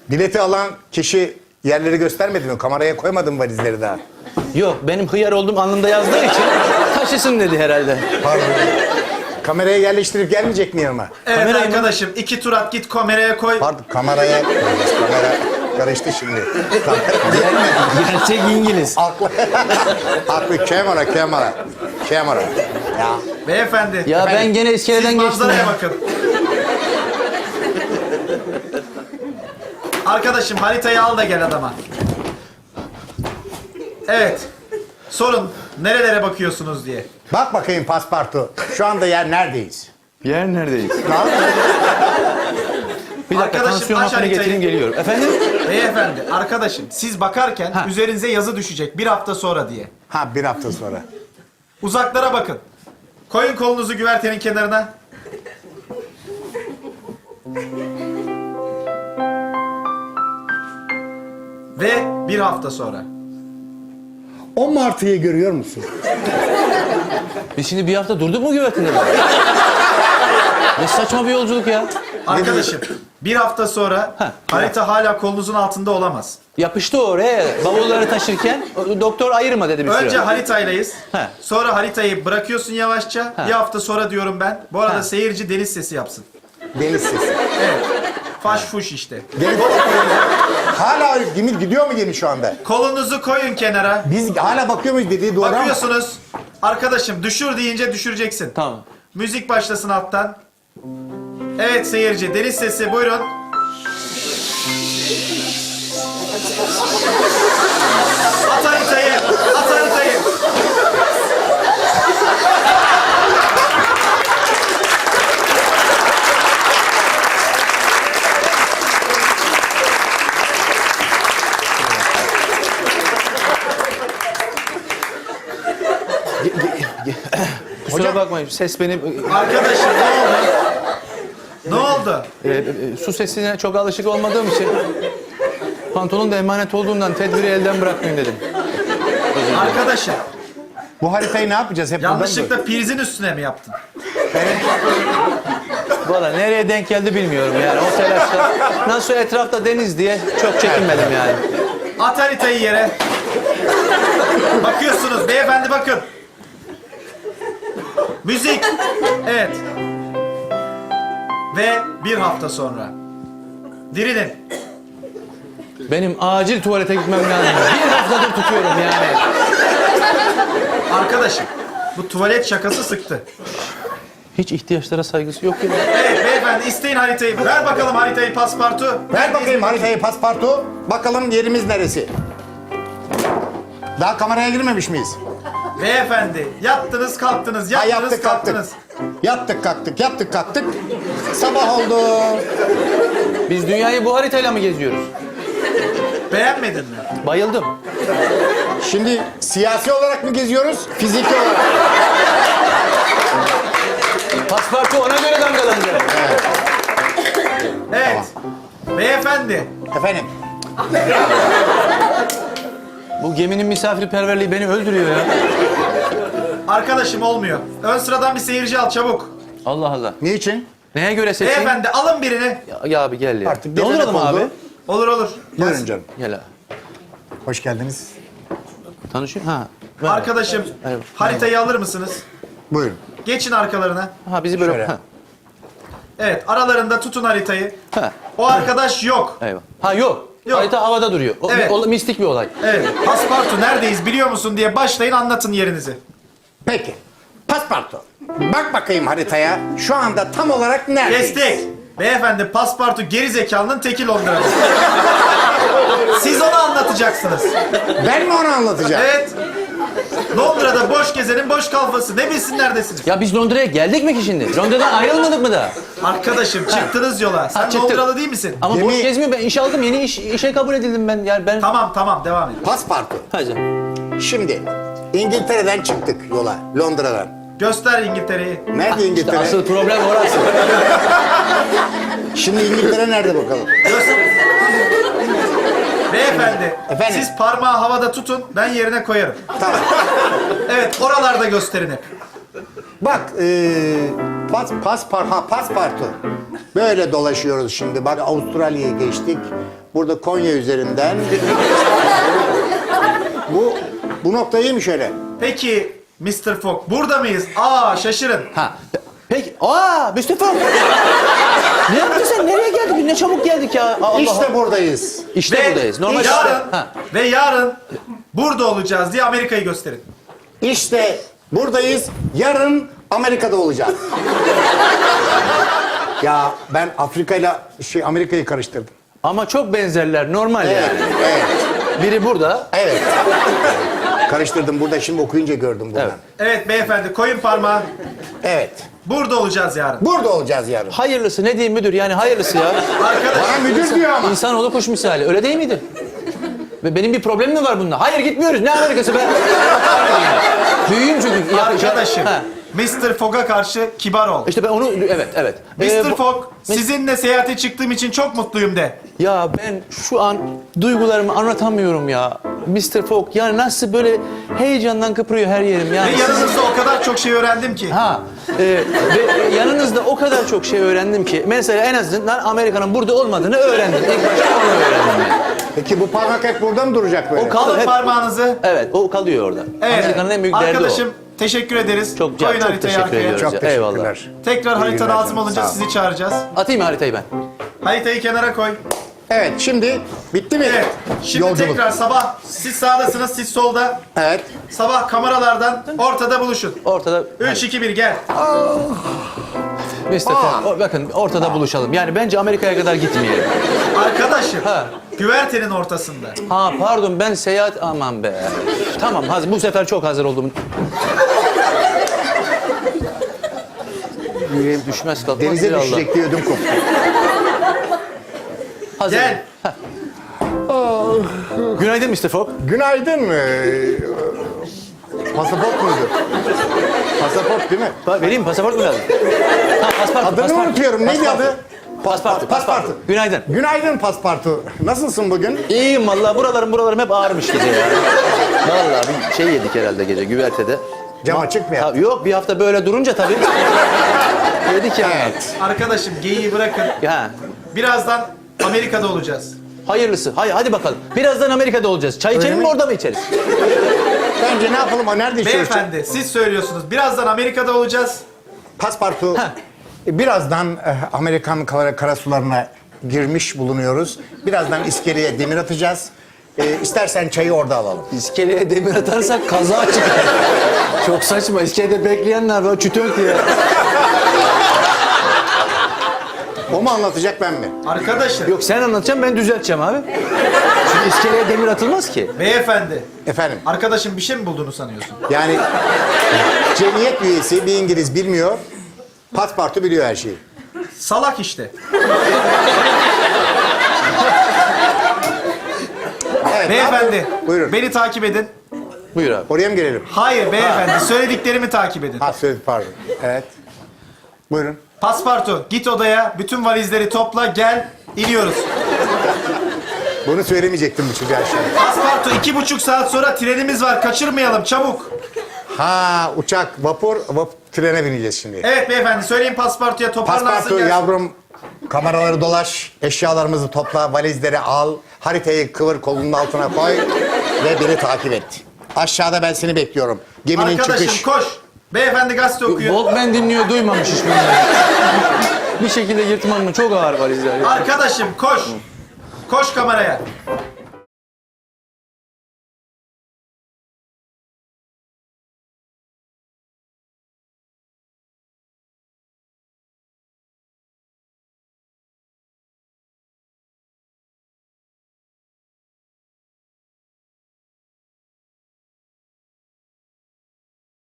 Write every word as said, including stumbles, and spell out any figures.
Bileti alan kişi yerleri göstermedi mi? Kameraya koymadın mı valizleri daha? Yok, benim hıyar olduğum alnımda yazdığı için taşısın dedi herhalde. Pardon. Kameraya yerleştirip gelmeyecek mi yanıma? Evet Kamerayı mı? arkadaşım iki tur at git kameraya koy. Pardon, kameraya... Kamera karıştı şimdi. Kamera... Gerçek İngiliz. Aklı... Aklı kamera, kamera. Kamera. Ya. Beyefendi. Ya Efendim, ben gene iskeleden Siz geçtim manzaraya ya. bakın. Arkadaşım haritayı al da gel adama. Evet. Sorun nerelere bakıyorsunuz diye. Bak bakayım paspartu. Şu anda yer neredeyiz? Yer neredeyiz? Lan? Bir dakika, Arkadaşım, tansiyon aç hapını haritayı. getireyim geliyorum. Efendim? Beyefendi, arkadaşım siz bakarken Ha. üzerinize yazı düşecek bir hafta sonra diye. Ha, bir hafta sonra. Uzaklara bakın. Koyun kolunuzu güvertenin kenarına. Ve bir hafta sonra. O martıyı görüyor musun? Biz şimdi bir hafta durduk mu güvertinde? Ne saçma bir yolculuk ya. Arkadaşım bir hafta sonra Ha. harita hala kolunuzun altında olamaz. Yapıştı oraya. Bavulları taşırken o- doktor ayırma dedi bir süre. Önce haritaylayız. Ha. Sonra haritayı bırakıyorsun yavaşça. Ha. Bir hafta sonra diyorum ben. Bu arada Ha. seyirci deniz sesi yapsın. Deniz sesi. Evet. Faş fuş işte. Deniz... Hala gemi gidiyor mu gemi şu anda? Kolunuzu koyun kenara. Biz hala bakıyor muyuz dediği doğru ama. Bakıyorsunuz. Arkadaşım düşür deyince düşüreceksin. Tamam. Müzik başlasın alttan. Evet seyirci deniz sesi buyurun. At haritayı. At haritayı. Kusura Hocam- bakmayın, ses benim... Arkadaşım ne oldu? Ne oldu? e, e, su sesine çok alışık olmadığım için... Pantolon da emanet olduğundan tedbiri elden bırakmayayım dedim. Arkadaşım Bu haritayı ne yapacağız? Hep buradan mı? yanlışlıkla prizin üstüne mi yaptın? Valla nereye denk geldi bilmiyorum yani o telaşla. Nasıl etrafta deniz diye çok çekinmedim yani. At haritayı yere. Bakıyorsunuz beyefendi bakın. Müzik. Evet. Ve bir hafta sonra. Dirilin. Benim acil tuvalete gitmem lazım. Bir haftadır tutuyorum yani. Arkadaşım bu tuvalet şakası sıktı. Hiç ihtiyaçlara saygısı yok ya. Evet beyefendi isteyin haritayı. Ver bakalım haritayı paspartu. Ver bakayım haritayı paspartu. Bakalım yerimiz neresi? Daha kameraya girmemiş miyiz? Beyefendi yattınız kalktınız Ha, yattınız yaptık kalktık. kalktınız. Yattık kalktık, yaptık kalktık. Sabah oldu. Biz dünyayı bu haritayla mı geziyoruz? Beğenmedin mi? Bayıldım. Şimdi siyasi olarak mı geziyoruz, fiziki olarak? Paspartu ona göre damgalandı. Evet. Beyefendi. Efendim? Bu geminin misafirperverliği beni öldürüyor ya. Arkadaşım olmuyor. Ön sıradan bir seyirci al çabuk. Allah Allah. Niçin? Neye göre seçeyim? Beyefendi alın birini. Ya, ya abi gel ya. Artık ne gelenek olur oldu. abi? Olur olur. Buyurun canım. Gel abi. Hoş geldiniz. Tanışıyor ha. Ver. Arkadaşım Evet. haritayı alır mısınız? Buyurun. Geçin arkalarına. Ha bizi böyle... Şöyle. Ha. Evet aralarında tutun haritayı. Ha. O arkadaş yok. Eyvah. Ha yok. Yok. Harita havada duruyor. O, Evet. o- mistik bir olay. Evet. Paspartu neredeyiz biliyor musun diye başlayın anlatın yerinizi. Peki. Paspartu. Bak bakayım haritaya. Şu anda tam olarak neredeyiz? Kestik. Beyefendi paspartu geri zekalının teki Londra'da. Siz onu anlatacaksınız. Ben mi onu anlatacağım? Evet. Londra'da boş gezenin boş kalfası. Ne bilsin neredesiniz? Ya biz Londra'ya geldik mi ki şimdi? Londra'dan ayrılmadık mı da? Arkadaşım çıktınız yola. Sen Ha, çıktık. Londralı değil misin? Ama Gemi- boş gezmiyor. Ben iş aldım. Yeni iş, işe kabul edildim ben. Yani ben... Tamam tamam devam edin. Paspartu. Hadi. Şimdi İngiltere'den çıktık yola. Londra'dan. Göster İngiltere'yi. Nerede İşte İngiltere? asıl problem orası. Şimdi İngiltere nerede bakalım? Göster. Beyefendi, Efendim? siz parmağı havada tutun, ben yerine koyarım. Tamam. Evet, oralarda gösterin hep. Bak, ee, pas, paspar, ha, paspartu. Böyle dolaşıyoruz şimdi. Bak Avustralya'ya geçtik. Burada Konya üzerinden. bu bu nokta iyi mi şöyle? Peki mister Fogg burada mıyız? Aa şaşırın. Ha. Peki. Aa Mustafa. Ne yaptın sen? Nereye geldik? Ne çabuk geldik ya. Allah İşte buradayız. İşte Ve buradayız. Normal yarın Ha. ve yarın burada olacağız diye Amerika'yı gösterin. İşte buradayız. Yarın Amerika'da olacağız. Ya ben Afrika ile şey Amerika'yı karıştırdım. Ama çok benzerler. Normal Evet, yani. evet, Biri burada. evet. Karıştırdım. Burada şimdi okuyunca gördüm buradan. Evet. Evet beyefendi koyun parmağı. Evet. Burada olacağız yarın. Burada olacağız yarın. Hayırlısı ne diyeyim müdür? Yani hayırlısı ya. Arkadaş Bana müdür diyor ama. İnsanoğlu kuş misali. Öyle değil miydi? Ve benim bir problemim mi var bunda? Hayır gitmiyoruz. Ne Amerikası be? Büyüğüm çünkü. Ya- arkadaşım Ha. mister Fogg'a karşı kibar ol. İşte ben onu evet evet. mister Ee, bu- Fogg sizinle seyahate çıktığım için çok mutluyum de. Ya ben şu an duygularımı anlatamıyorum ya. mister Fogg yani nasıl böyle heyecandan kıpırıyor her yerim Ve yani. yanınızda o kadar çok şey öğrendim ki. Ha e, ve yanınızda o kadar çok şey öğrendim ki mesela en azından Amerika'nın burada olmadığını öğrendim. İlk başta onu öğrendim. Yani. Peki bu parmak hep burada mı duracak böyle? O kalır Alın hep. parmağınızı. Evet o kalıyor orada. Evet. Amerika'nın en büyük derdi Arkadaşım teşekkür ederiz. o. Çok, Koyun çok haritayı teşekkür arkaya. ediyoruz. Çok ya. teşekkürler. Eyvallah. Tekrar İyi harita günler lazım canım, olunca sağ ol. sizi çağıracağız. Atayım mı haritayı ben? Haritayı kenara koy. Evet şimdi bitti mi? Evet. Şimdi Yolculuk. tekrar sabah siz sağdasınız, siz solda. Evet. Sabah kameralardan ortada buluşun. Ortada. üç iki bir gel. mister Fogg, o- bakın ortada buluşalım. Yani bence Amerika'ya kadar gitmeyelim. Arkadaşım. Ha. Güvertenin ortasında. Ha pardon ben seyahat aman be. Tamam hazır bu sefer çok hazır oldum. Yüreğim düşmez kalkmaz. Denize bir Allah. düşecek diye ödüm koptu. Hazır. Gel. Günaydın mister Fogg. Günaydın. Ee, pasaport muydu? Pasaport değil mi? Pa- Vereyim mi? Pasaport mu lazım? Ha pasaport. Adını pasaport. unutuyorum. Neydi Pasaport. adı? Paspartu. Paspartu. Günaydın. Günaydın paspartu. Nasılsın bugün? İyiyim vallahi buralarım buralarım hep ağrımış gece ya. Vallahi bir şey yedik herhalde gece güvertede. Cam açık mı Ha, ya? yok bir hafta böyle durunca tabii. Yedik yani. Evet. Arkadaşım geyiği bırakın. Ha. Birazdan Amerika'da olacağız. Hayırlısı. Hay, hadi bakalım. Birazdan Amerika'da olacağız. Çay içelim mi mi? orada mı içeriz? Bence ne yapalım? O nerede içiyoruz? Beyefendi siz söylüyorsunuz. Birazdan Amerika'da olacağız. Paspartu. Birazdan eh, Amerikan kara, karasularına girmiş bulunuyoruz. Birazdan iskeleye demir atacağız. Ee, istersen çayı orada alalım. İskeleye demir atarsak kaza çıkar. Çok saçma. İskelede bekleyenler var. Çütönk diye. O mu anlatacak ben mi? Arkadaşım. Yok sen anlatacaksın ben düzelteceğim abi. Çünkü iskeleye demir atılmaz ki. Beyefendi. Efendim? Arkadaşım bir şey mi bulduğunu sanıyorsun? Yani cemiyet üyesi bir İngiliz bilmiyor. Paspartu biliyor her şeyi. Salak işte. Evet, Beyefendi. abi, buyurun. Beni takip edin. Buyur abi. Oraya mı gelelim? Hayır beyefendi. Söylediklerimi takip edin. Ha söyle pardon. Evet. Buyurun. Paspartu git odaya. Bütün valizleri topla. Gel. İniyoruz. Bunu söylemeyecektim bu çocuğa şimdi. Paspartu iki buçuk saat sonra trenimiz var. Kaçırmayalım çabuk. Ha uçak, vapur, vap trene bineceğiz şimdi. Evet beyefendi. Söyleyin Paspartu'ya toparlansın. Paspartu gelsin. yavrum, kameraları dolaş, eşyalarımızı topla, valizleri al, haritayı kıvır kolunun altına koy ve beni takip et. Aşağıda ben seni bekliyorum. Geminin Arkadaşım çıkış. koş. Beyefendi gazete okuyor. Walkman dinliyor duymamış hiç bunları. Bir şekilde yırtmam mı? Çok ağır valizler. ya. Arkadaşım koş. Koş kameraya.